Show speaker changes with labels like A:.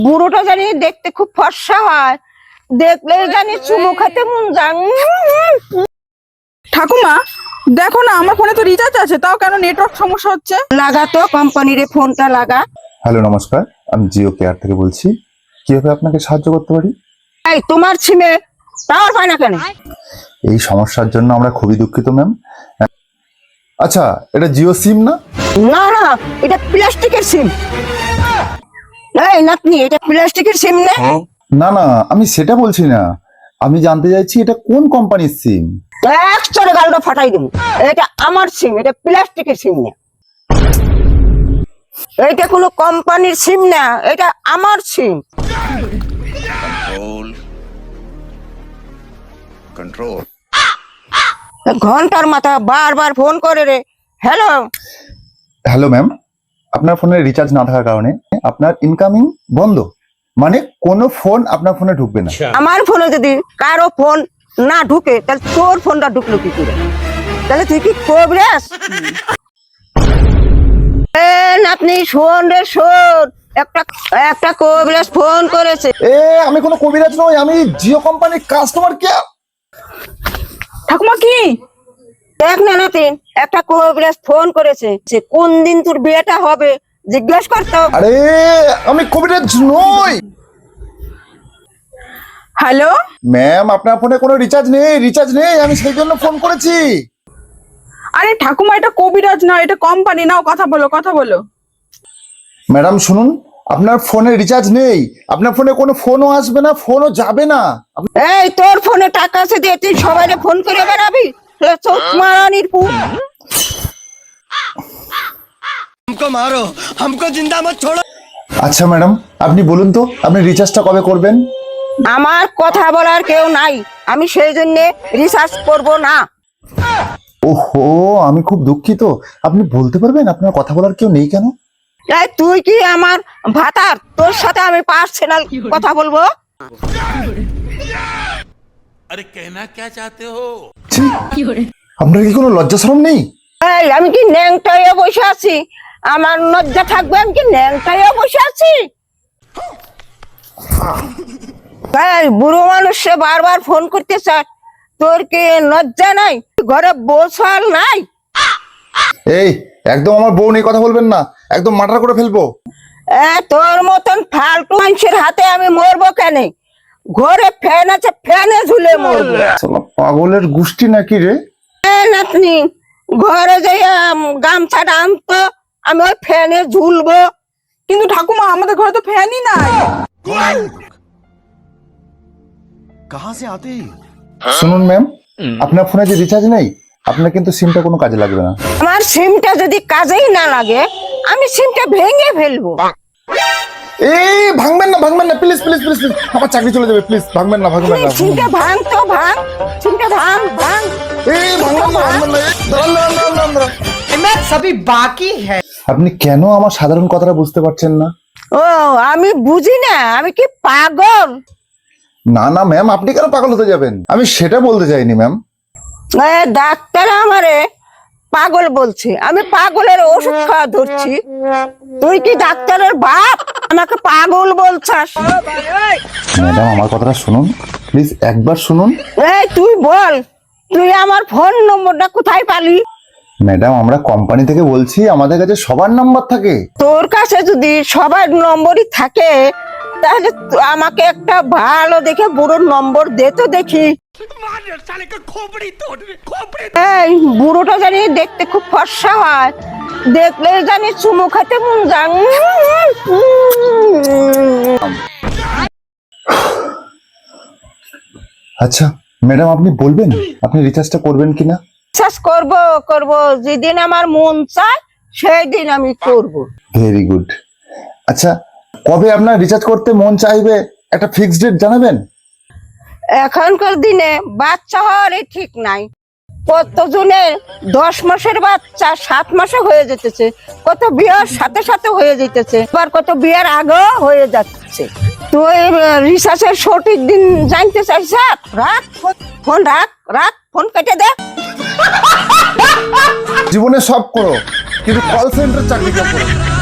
A: বুড়োটা জানি দেখতে খুব ফর্সা হয়, দেখলে জানি চুমু খেতে মন যায়।
B: ঠাকুমা দেখো না, আমার ফোনে তো রিচার্জ আছে, তাও কেন নেটওয়ার্ক সমস্যা হচ্ছে?
A: লাগা তো কোম্পানির ফোনটা লাগা।
C: হ্যালো নমস্কার, আমি জিও কেয়ার থেকে বলছি। কিভাবে আপনাকে সাহায্য করতে পারি?
A: এই তোমার সিমে টাওয়ার পায় না কেন?
C: এই সমস্যার জন্য আমরা খুবই দুঃখিত ম্যাম। আচ্ছা, এটা জিও সিম না?
A: না না, এটা প্লাস্টিকের সিম। এই নাতনি, এটা প্লাস্টিকের সিম না?
C: না না, আমি সেটা বলছি না। আমি জানতে চাইছি এটা কোন কোম্পানির সিম।
A: এক চড়ে গালটা ফাটাই দেবো। এটা আমার সিম, এটা প্লাস্টিকের সিম না। এটা কোনো কোম্পানির সিম না, এটা আমার সিম।
D: कंट्रोल
A: ঘন্টার মাথা বারবার ফোন করে রে। হ্যালো,
C: হ্যালো ম্যাম, আপনার ফোনে রিচার্জ না থাকার কারণে আপনার ইনকামিং বন্ধ, মানে কোনো ফোন আপনার ফোনে ঢুকবে না।
A: আমার ফোনে যদি কারো ফোন না ঢুকে, তাহলে তোর ফোনটা ঢুকলো কি করে? তাহলে তুই কি করবি? আপনি শোন রে শোন, একটা কবিরাজ ফোন করেছে।
C: আমি কোনো কবিরাজ নই, আমি জিও কোম্পানির কাস্টমার কেয়ার।
B: ঠাকুমা কি?
A: দেখ না নাতিন, একটা কবিরাজ ফোন করেছে যে কোন দিন তোর বিয়েটা হবে জিজ্ঞেস করতো।
C: আরে আমি কবিরাজ নই
B: হ্যালো
C: ম্যাম, আপনার ফোনে কোনো রিচার্জ নেই, আমি সেই জন্য ফোন করেছি।
B: আরে ঠাকুমা, এটা কবিরাজ না, এটা কোম্পানি। নাও কথা বলো।
C: ম্যাডাম শুনুন, আপনার ফোনে রিচার্জ নেই, আপনার ফোনে কোনো ফোনও আসবে না, ফোনও যাবে না।
A: এই তোর ফোনে টাকা আছে দিয়ে তুই সবাইকে ফোন করে বেড়াবি? চোখ মারানির পু।
D: हमको मारो, हमको जिंदा मत छोड़ो।
C: আচ্ছা ম্যাডাম, আপনি বলুন তো আপনি রিচার্জটা কবে করবেন?
A: আমার কথা বলার কেউ নাই, আমি সেই জন্য রিসার্চ করব না।
C: ওহো, আমি খুব দুঃখিত। আপনি বলতে পারবেন আপনার কথা বলার কেউ নেই কেন?
A: এই তুই কি আমার ভাতার? তোর সাথে আমি পার্সোনাল কথা বলবো?
E: अरे कहना क्या चाहते हो?
C: ছি, আপনার কি কোনো লজ্জা শরম নেই?
A: এই আমি কি ন্যাংটাইয়া বসে আছি? আমার লজ্জা থাকবে? আমি কি ন্যাংটাইয়া বসে আছি? এই বুড়ো মানুষে বারবার ফোন করতে চাস, তোর কি লজ্জা নাই? ঘরে বসাল নাই?
C: এই একদম আমার বউ নিয়ে কথা বলবেন না, একদম মার্ডার করে ফেলবো।
A: তোর মতন ফালতু মানুষের হাতে আমি মরবো কেন? ঘরে ফ্যান আছে, ফ্যানে ঝুলে মরবো।
C: শালা পাগলের গোষ্ঠী নাকি রে?
A: নাতনি, ঘরে যে গামছাটা আনতো, আমি ওই ফ্যানে ঝুলবো।
B: কিন্তু ঠাকুমা, আমাদের ঘরে তো ফ্যানই নাই।
D: कहाँ से आते हैं?
C: শুনুন ম্যাম, আপনার ফোনে যে রিচার্জ নেই, আপনার কিন্তু সিমটা কোনো কাজে লাগবে না।
A: আমার সিমটা যদি কাজেই না লাগে, আমি সিমটা ভেঙে ফেলবো।
C: এই ভাঙবেন না প্লিজ, আমার চাকরি চলে যাবে, প্লিজ ভাঙবেন না।
A: সিমটা ভাঙ তো ভাঙ, সিমটা ভাঙ।
C: এই ভাঙবেন না। দাঁড়ান।
F: सभी बाकी है।
C: আপনি কেন আমার সাধারণ কথাটা বুঝতে পারছেন না?
A: ও, আমি বুঝি না, আমি কি পাগল?
C: না না ম্যাম, আপনি কেন পাগল হতে যাবেন? আমি সেটা বলতে চাইনি ম্যাম।
A: ডাক্তার আমারে পাগল বলছে, আমি পাগলের ওষুধ খাওয়া ধরছি। তুই কি ডাক্তারের বাপ, আমাকে পাগল বলছাস?
C: ম্যাডাম আমার কথাটা শুনুন, প্লিজ একবার শুনুন।
A: এই তুই বল, তুই আমার ফোন নম্বরটা কোথায় পালি?
C: ম্যাডাম আমরা কোম্পানি থেকে বলছি, আমাদের কাছে সবার নাম্বার থাকে।
A: তোর কাছে যদি সবার নম্বরই থাকে, তাহলে আমাকে একটা ভালো দেখে বুড়োর নম্বর দে তো দেখি। এই বুড়োটা জানি দেখতে খুব ফর্সা হয়, দেখলে জানি চুমু খেতে মন যায়।
C: আচ্ছা ম্যাডাম, আপনি বলবেন আপনি রিচার্জটা করবেন কিনা?
A: বিশ্বাস করব, যেদিন আমার মন চায় সেই দিন আমি করব।
C: Very good. আচ্ছা, কবে আপনার রিচার্জ করতে মন চাইবে একটা ফিক্সড ডেট জানাবেন?
A: এখনকার দিনে বাচ্চা হওয়ারই ঠিক নাই। কতজনের 10 মাসের বাচ্চা 7 মাসে হয়ে যেতেছে, কত বিয়ার সাথে সাথে হয়ে যেতেছে, আবার কত বিয়ার আগেও হয়ে যাচ্ছে। তুই রিসার্চের সঠিক দিন জানতে চাইছ? রাখ ফোন, রাখ ফোন কেটে দে।
C: জীবনে সব করো, কিন্তু কল সেন্টার চাকরি করো।